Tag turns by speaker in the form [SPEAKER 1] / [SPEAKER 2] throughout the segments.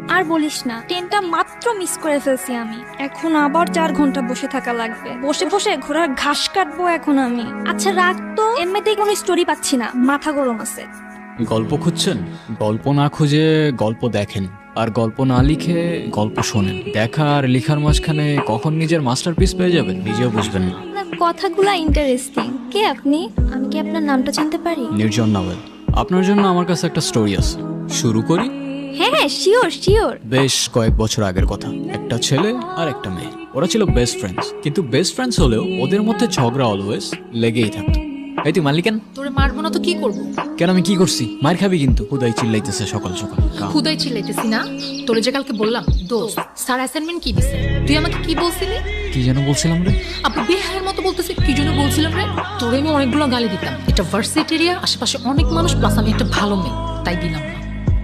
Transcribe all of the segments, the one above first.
[SPEAKER 1] আর বলিস না, ট্রেনটা মাত্র মিস করে ফেলছি আমি। এখন আবার 4 ঘন্টা বসে থাকা লাগবে। বসে বসে ঘোড়ার ঘাস কাটবো এখন আমি। আচ্ছা রাগ তো, এমনিতেই কোনো স্টোরি পাচ্ছি না, মাথা গরম আছে।
[SPEAKER 2] গল্প খুঁজছেন? গল্প না খুঁজে গল্প দেখেন, আর গল্প না লিখে গল্প শোনেন। দেখা আর লিখার মাঝখানে কখন নিজের মাস্টারপিস পেয়ে যাবেন নিজেও বুঝবেন না।
[SPEAKER 1] আপনার কথাগুলা ইন্টারেস্টিং। কে আপনি? আমি কি আপনার নামটা জানতে পারি?
[SPEAKER 2] নির্জন নাওয়েল। আপনার জন্য আমার কাছে একটা স্টোরি আছে, শুরু করি?
[SPEAKER 1] হ্যাঁ হ্যাঁ, শিওর শিওর।
[SPEAKER 2] বেশ কয়েক বছর আগের কথা। একটা ছেলে আর একটা মেয়ে, ওরা ছিল বেস্ট ফ্রেন্ডস। কিন্তু বেস্ট ফ্রেন্ডস হলেও ওদের মধ্যে ঝগড়া অলওয়েজ লেগেই থাকতো। এই তুই মারলি কেন?
[SPEAKER 3] তোরে মারবো না তো কি করবো?
[SPEAKER 2] কেন, আমি কি করছি? মার খাবি কিন্তু। হুদাই চিল্লাইতেছে সকাল সকাল।
[SPEAKER 3] খুদাই চিল্লাইতেছি না। তোরে যে কালকে বললাম দোস্ত স্যার অ্যাসাইনমেন্ট কি দিছে, তুই আমাকে কি বলছিলি?
[SPEAKER 2] কি যেন বলছিলাম রে?
[SPEAKER 3] আপু বেহায়ের মতো বলতেছে কি জন্য বলছিলাম রে? তোরে আমি অনেকগুলো গালি দিতাম। এটা ভার্সিটি এরিয়া, আশেপাশে অনেক মানুষ, প্লাস আমি একটা ভালো মেয়ে, তাই দিলাম না।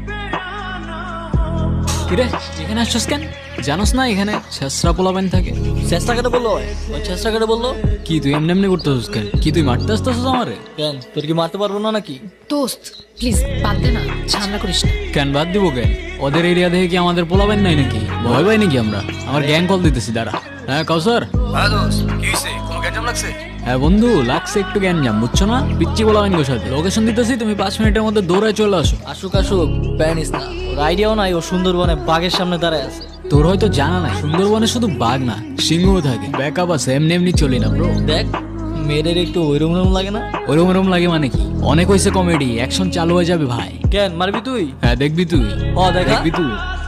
[SPEAKER 2] কিরে এখানে আসছিস কেন? জানোস না এখানে ছেসরা পোলাবেন থাকে?
[SPEAKER 4] চেষ্টা কেটে বললো, ওই চেষ্টা কেটে বললো।
[SPEAKER 2] কি তুই এমনি এমনি করতেছিস কেন? কি তুই মারতে আসতেছিস আমারে?
[SPEAKER 4] কেন, তোর কি মারতে পারবো না নাকি?
[SPEAKER 3] দোস্ত প্লিজ বাদ দে না, ঝামেলা করিস না।
[SPEAKER 2] কেন বাদ দিব কেন? ওদের এরিয়া দেখে কি আমাদের পোলাবেন নাই নাকি? ভয় পাই নাকি আমরা? আমার গ্যাং কল দিতেছি দাঁড়া। হ্যাঁ কাউসার।
[SPEAKER 5] হ্যাঁ দোস্ত, কি হয়েছে? কোনো গ্যাঞ্জাম লাগছে?
[SPEAKER 2] হ্যাঁ বন্ধু, লাগছে একটু গ্যাঞ্জাম, বুঝছো না? পিচ্ছি পোলাবেন গোর সাথে লোকেশন দিতেছি, তুমি 5 মিনিটের মধ্যে দৌড়ায় চলে আসো।
[SPEAKER 4] আসুক আসুক, প্যানিস না। ওর আইডিয়াও নাই ও সুন্দরবনে বাঘের সামনে দাঁড়ায় আছে।
[SPEAKER 2] তোর হয়তো জানা নাই, সুন্দরবনে শুধু বাঘ না সিংহও থাকে। ব্যাকআপ আছে, এমনি এমনি চলি না ব্রো।
[SPEAKER 4] দেখ মেয়েদের একটু ওইরকম লাগে না?
[SPEAKER 2] ওরম ওরম লাগে মানে কি? অনেক হয়েছে কমেডি, অ্যাকশন চালু হয়ে যাবে ভাই।
[SPEAKER 4] কেন মারবি তুই?
[SPEAKER 2] হ্যাঁ দেখবি তুই।
[SPEAKER 4] দেখা।
[SPEAKER 2] দেখবি তুই।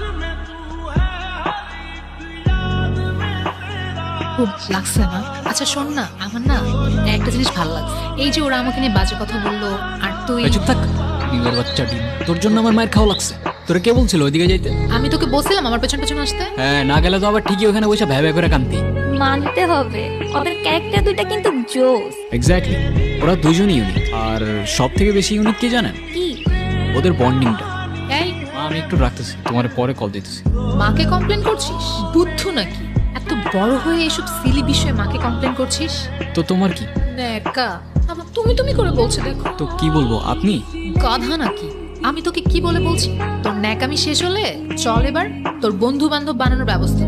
[SPEAKER 3] খুব লাগছে না? আচ্ছা শোন না, আমার না একটা জিনিস ভালো লাগছে। এই যে ওরা আমাকে নিয়ে বাজে কথা বললো, আর তুই।
[SPEAKER 2] এই চুপ থাক, ডিমের বাচ্চা ডিম। তোর জন্য আমার মায়ের খাওয়া লাগছে। তোরা কে বলছিল ওইদিকে যাইতে?
[SPEAKER 3] আমি তোকে বলছিলাম আমার পেছন পেছন আসতে।
[SPEAKER 2] হ্যাঁ, না গেলে তো আবার ঠিকই ওখানে বসে ভ্যা ভ্যা করে কান্তি।
[SPEAKER 1] মানতে হবে, ওদের ক্যারেক্টার দুইটা কিন্তু জোস।
[SPEAKER 2] এক্স্যাক্টলি, ওরা দুজনই ইউনিক। আর সব থেকে বেশি ইউনিক কে জানেন?
[SPEAKER 1] কি?
[SPEAKER 2] ওদের বন্ডিংটা।
[SPEAKER 3] এই
[SPEAKER 2] আমি একটু রাখতেছি, তোমার পরে কল দিতেছি।
[SPEAKER 3] মাকে কমপ্লেন করছিস? বুদ্ধ নাকি? এত বড় হয়ে এসব সিলি বিষয়ে মাকে কমপ্লেন করছিস?
[SPEAKER 2] তো তোমার কি?
[SPEAKER 3] নেকা আমার তুমি তুমি করে বলছে, দেখো
[SPEAKER 2] তো কি বলবো, আপনি?
[SPEAKER 3] গাধা নাকি? আমি তোকে কি বলে বলছি? তোর ন্যাকামি শেষ হলে চল এবার তোর বন্ধু বান্ধব বানানোর ব্যবস্থা।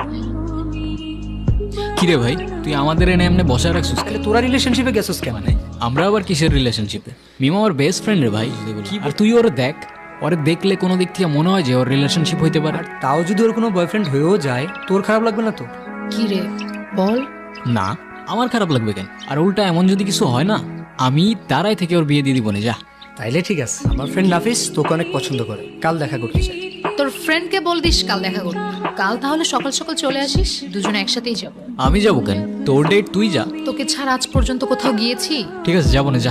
[SPEAKER 2] কিরে ভাই, তুই আমাদের এনে এমনি বসায় রাখছিস কেন?
[SPEAKER 5] তোরা রিলেশনশিপে গেছিস কেন?
[SPEAKER 2] মানে আমরা আবার কিসের রিলেশনশিপে? মিমা আমার বেস্ট ফ্রেন্ড রে ভাই। আর তুই ওরে দেখ, ওরে দেখলে কোনো দিক থেকে মনে হয় যে ওর রিলেশনশিপ হইতে পারে।
[SPEAKER 5] তাও যদি ওর কোনো বয়ফ্রেন্ড হয়েও যায়, তোর খারাপ লাগবে না তো?
[SPEAKER 3] কি রে বল।
[SPEAKER 2] না, আমার খারাপ লাগবে কেন? আর উল্টা এমন যদি কিছু হয় না, আমি তারাই থেকে ওর বিয়ে দিয়ে দিব না। যা।
[SPEAKER 5] তাইলে ঠিক আছে। আমার ফ্রেন্ড নাফিস তোকে অনেক পছন্দ করে, কাল দেখা করতে চাই।
[SPEAKER 3] তোর ফ্রেন্ডকে বল দিস কাল দেখা করতে। কাল তাহলে সকাল সকাল চলে আসিস, দুজনে একসাথেই যাব।
[SPEAKER 2] আমি যাবো কেন? তোর ডেট তুই যা।
[SPEAKER 3] তোকে ছাড়া আজ পর্যন্ত কোথাও গিয়েছি?
[SPEAKER 2] ঠিক আছে, যাবো না, যা।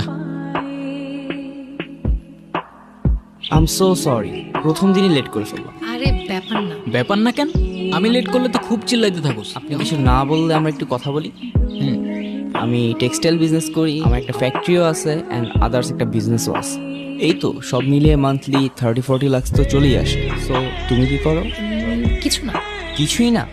[SPEAKER 6] আই এম সো সরি, প্রথম দিনই লেট করে ফেললাম।
[SPEAKER 3] আরে ব্যাপার না।
[SPEAKER 2] ব্যাপার না কেন? আমি লেট করলে তো খুব চিল্লাইতে থাকোস।
[SPEAKER 6] আপনি কিছু না বললে আমরা একটু কথা বলি।
[SPEAKER 2] হুম।
[SPEAKER 6] আমি টেক্সটাইল বিজনেস করি, আমার একটা ফ্যাক্টরিও আছে অ্যান্ড আদার্স একটা বিজনেসও আছে। এই তো সব মিলিয়ে মান্থলি 30-40 লাখ তো চলেই আসে। সো তুমি কি করো?
[SPEAKER 3] কিছু না।
[SPEAKER 6] কিছুই না?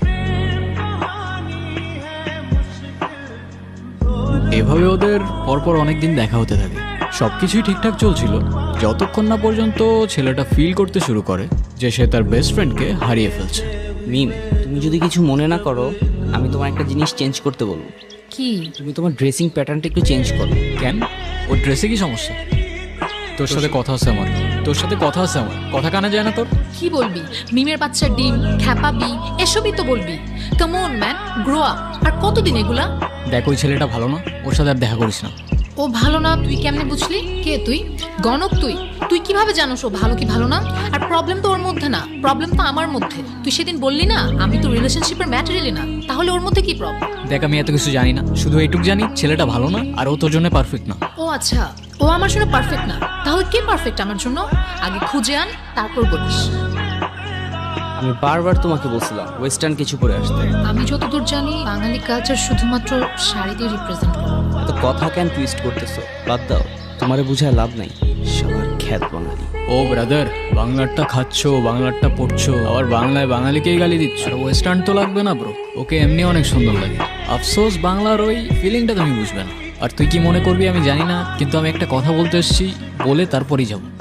[SPEAKER 2] এভাবে ওদের পরপর অনেকদিন দেখা হতে থাকে। সবকিছুই ঠিকঠাক চলছিল যতক্ষণ না পর্যন্ত ছেলেটা ফিল করতে শুরু করে যে সে তার বেস্ট ফ্রেন্ডকে হারিয়ে ফেলছে।
[SPEAKER 6] মিম, তুমি যদি কিছু মনে না করো, আমি তোমার একটা জিনিস চেঞ্জ করতে বলবো।
[SPEAKER 3] কি?
[SPEAKER 6] তুমি তোমার ড্রেসিং প্যাটার্নটা একটু চেঞ্জ করো।
[SPEAKER 2] কেন? ওর ড্রেসে কি সমস্যা? তোর সাথে কথা আছে আমার। কথা কানে যায় না তোর?
[SPEAKER 3] কি বলবি? মিমের বাচ্চা ডিম, খ্যাপাবি, এসবই তো বলবি। Come on man, grow up. আর কতদিন এগুলা?
[SPEAKER 2] দেখ, ওই ছেলেটা ভালো না, ওর সাথে আর দেখা করিস না।
[SPEAKER 3] ও ভালো না তুই কেমনে বুঝলি? কে তুই? গণক তুই? তুই কিভাবে জানোস ও ভালো কি ভালো না? আর প্রবলেম তো ওর মধ্যে না, প্রবলেম তো আমার মধ্যে। তুই সেদিন বললি না আমি তো রিলেশনশিপের ম্যাটেরিয়ালই না, তাহলে ওর মধ্যে কি প্রবলেম?
[SPEAKER 2] দেখ, আমি এত কিছু জানি না, শুধু এইটুকু জানি ছেলেটা ভালো না আর ও তোর জন্য পারফেক্ট না।
[SPEAKER 3] ও আচ্ছা, ও আমার জন্য পারফেক্ট না, তাহলে কে পারফেক্ট আমার জন্য? আগে খুঁজে আন, তারপর বলিস।
[SPEAKER 6] আমি বারবার তোমাকে বলছিলাম ওয়েস্টার্ন কিছু পরে আসতে।
[SPEAKER 3] আমি যতদূর জানি বাঙালি কালচার শুধুমাত্র শাড়ি দিয়ে রিপ্রেজেন্ট করে।
[SPEAKER 6] এত কথা কেন টুইস্ট করতেছো? বাদ দাও, তোমারে বুঝায় লাভ নাই। সবার খ্যাত বাঙালি।
[SPEAKER 2] ও ব্রাদার, বাংলারটা খাচ্ছো, বাংলারটা পড়ছো, আবার বাংলায় বাঙালিকেই গালি দিচ্ছ। আর ওয়েস্টার্ন তো লাগবে না ব্রো, ওকে এমনি অনেক সুন্দর লাগে। আফসোস বাংলার ওই ফিলিংটা তুমি বুঝবে না। আর তুই কি মনে করবি আমি জানি না, কিন্তু আমি একটা কথা বলতে এসেছি, বলে তারপরই যাবো।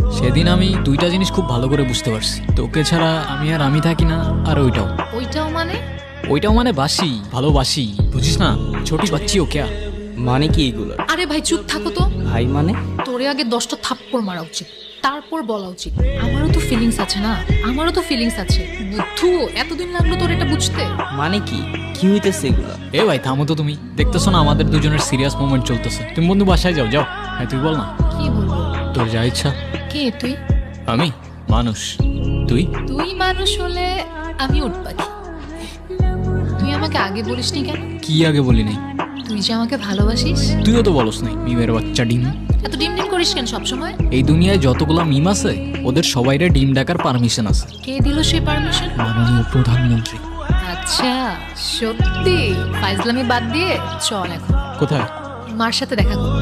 [SPEAKER 2] সেদিন আমি দুইটা জিনিস খুব ভালো করে বুঝতে পারছি, তোকে ছাড়া আমি থাকি না, আর
[SPEAKER 3] ওইটাও মানে?
[SPEAKER 2] ওইটাও মানে বাসি, ভালোবাসি, বুঝিস না? ছোটি বাচ্চি ও ক্যা?
[SPEAKER 6] মানে কি এগুলো?
[SPEAKER 3] আরে ভাই চুপ থাকো তো।
[SPEAKER 6] ভাই মানে?
[SPEAKER 3] তোরে আগে 10টা থাপ্পড় মারা উচিত, তারপর বলা উচিত। আমারও তো ফিলিংস আছে না, আমারও তো ফিলিংস আছে। বুদ্ধু, এতদিন লাগলো তোর এটা বুঝতে?
[SPEAKER 6] মানে কি কি হইতেছে এগুলো?
[SPEAKER 2] এ ভাই থামো তো, তুমি দেখতেছো না আমাদের দুজনের সিরিয়াস মোমেন্ট চলতেছে? তুমি বন্ধু বাসায় যাও যাও। হ্যাঁ তুই বল না,
[SPEAKER 3] কি বলবো?
[SPEAKER 2] তোর যা ইচ্ছা।
[SPEAKER 3] কে তুই?
[SPEAKER 2] আমি মানুষ, তুই?
[SPEAKER 3] তুই মানুষ হলে আমি উট পাখি। তুই আমাকে আগে বলিসনি কেন?
[SPEAKER 2] কি আগে বলি নাই?
[SPEAKER 3] তুই যে আমাকে ভালোবাসিস।
[SPEAKER 2] তুইও তো বলস নাই, মিমের বাচ্চা ডিম।
[SPEAKER 3] এত ডিম ডিম করিস কেন সবসময়?
[SPEAKER 2] এই দুনিয়ায় যতগুলা মিম আছে ওদের সবাইরে ডিম ডাকার পারমিশন আছে
[SPEAKER 3] কে দিল সেই পারমিশন?
[SPEAKER 2] মাননীয় প্রধানমন্ত্রী।
[SPEAKER 3] আচ্ছা, সত্যি? ফাইজলামি বাদ দিয়ে চল এখন
[SPEAKER 2] কোথায়?
[SPEAKER 3] মার সাথে দেখা কর।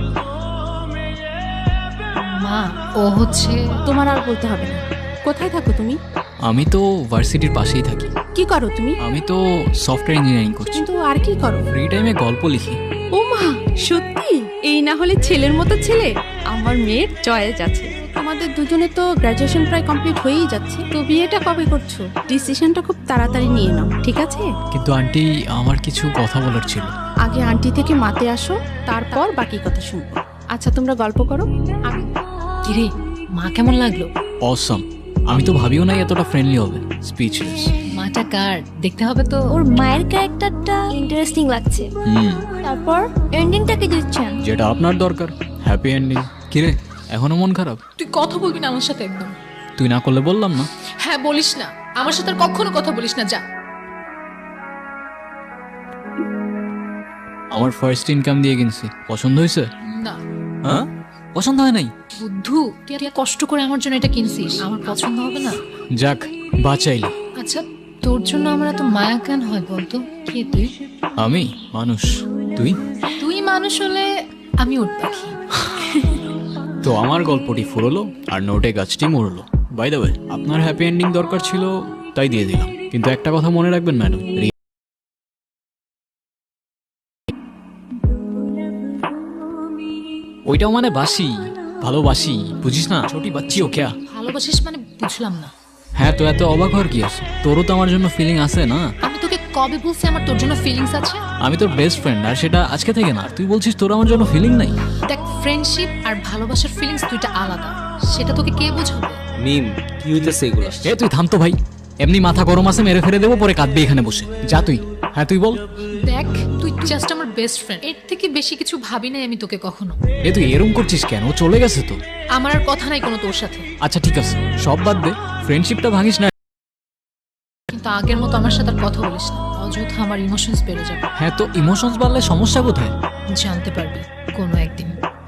[SPEAKER 3] মা, ও হচ্ছে
[SPEAKER 7] তোমার আর বলতে হবে না। কোথায় থাকো তুমি?
[SPEAKER 2] আমি তো ভার্সিটির পাশেই থাকি।
[SPEAKER 7] কি করো তুমি?
[SPEAKER 2] আমি তো সফটওয়্যার ইঞ্জিনিয়ারিং করছি।
[SPEAKER 7] কিন্তু আর কি করো?
[SPEAKER 2] ফ্রি টাইমে গল্প লিখি।
[SPEAKER 7] ও মা, সত্যি? এই না হলে ছেলের মতো ছেলে। আমার মেয়ের চয়েস আছে। আমাদের দুজনে তো গ্র্যাজুয়েশন প্রায় কমপ্লিট হয়েই যাচ্ছে, তো বিয়েটা কবে করছো? ডিসিশনটা খুব তাড়াতাড়ি নিয়ে নাও, ঠিক আছে?
[SPEAKER 2] কিন্তু আন্টি, আমার কিছু কথা বলার ছিল।
[SPEAKER 7] আগে আন্টি থেকে মাতে আসো, তারপর বাকি কথা শুনবো। আচ্ছা তোমরা গল্প করো। আমি
[SPEAKER 3] কিরে, মা কেমন লাগলো?
[SPEAKER 2] অসম। আমি তো ভাবিও নাই এতটা ফ্রেন্ডলি হবে। স্পিচলেস।
[SPEAKER 3] মাটা কার দেখতে হবে তো।
[SPEAKER 1] ওর মায়ের ক্যারেক্টারটা ইন্টারেস্টিং লাগছে। তারপর এন্ডিংটা কি দিচ্ছেন?
[SPEAKER 2] যেটা আপনার দরকার, হ্যাপি এন্ডিং। কিরে, এখনো মন খারাপ?
[SPEAKER 3] তুই কথা বলবি না আমার সাথে একদম।
[SPEAKER 2] তুই না করলে বললাম না।
[SPEAKER 3] হ্যাঁ বলিস না, আমার সাথে আর কখনো কথা বলিস না, যা।
[SPEAKER 2] আমার ফার্স্ট ইনকাম দিয়ে কিনছি, পছন্দ হয়েছে?
[SPEAKER 3] না।
[SPEAKER 2] হ্যাঁ, পছন্দ হয় নাই?
[SPEAKER 3] বুদ্ধু, তুই এত কষ্ট করে আমার জন্য এটা কিনছিস, আমার পছন্দ হবে না?
[SPEAKER 2] যাক, বাঁচাইলি।
[SPEAKER 3] আচ্ছা, তোর জন্য আমার এত মায়া কেন হয় বলতো? কে তুই?
[SPEAKER 2] আমি মানুষ, তুই?
[SPEAKER 3] তুই মানুষ হলে আমি উট পাখি।
[SPEAKER 2] তো আমার গল্পটি ফুরলো আর নোটে গাছটি মরলো। বাই দ্য ওয়ে, আপনার হ্যাপি এন্ডিং দরকার ছিল তাই দিয়ে দিলাম, কিন্তু একটা কথা মনে রাখবেন ম্যাডাম, ওইটাও মানে বাসি, ভালোবাসি, বুঝিস না? ছোটি বাচ্চি ও ক্যা?
[SPEAKER 3] ভালোবাসিস মানে বুঝলাম না।
[SPEAKER 2] হ্যাঁ, তো এত অবাক হওয়ার কি আছে? তোরও তো আমার জন্য ফিলিং আছে না?
[SPEAKER 3] আমি তোকে কবে বলছি আমার তোর জন্য ফিলিংস আছে?
[SPEAKER 2] আমি তোর বেস্ট ফ্রেন্ড, আর সেটা আজকে থেকে না। তুই বলছিস তোর আমার জন্য ফিলিং নাই?
[SPEAKER 3] দেখ, ফ্রেন্ডশিপ আর ভালোবাসার ফিলিংস দুইটা আলাদা, সেটা তোকে কে বোঝাবে?
[SPEAKER 6] মিম, কি হইতেছে এগুলো?
[SPEAKER 2] এ তুই থাম তো ভাই, এমনি মাথা গরম আছে, মেরে ফেলে দেবো, পরে কাঁদবি এখানে বসে। যা তুই। হ্যাঁ তুই বল।
[SPEAKER 3] দেখ, তুই জাস্ট আমার বেস্ট ফ্রেন্ড, এর থেকে বেশি কিছু ভাবি নাই আমি তোকে কখনো।
[SPEAKER 2] এ তুই এরম করছিস কেন? ও চলে গেছে তো।
[SPEAKER 3] আমার আর কথা নাই কোনো তোর সাথে।
[SPEAKER 2] আচ্ছা ঠিক আছে, সব বাদ দে, ফ্রেন্ডশিপটা ভাঙিস না।
[SPEAKER 3] কিন্তু আগের মতো আমার সাথে আর কথা বলিস না, অযথা আমার ইমোশনস বেড়ে যাবে।
[SPEAKER 2] হ্যাঁ, তো ইমোশনস বাড়লে সমস্যা কোথায়?
[SPEAKER 3] জানতে পারবি কোনো একদিন।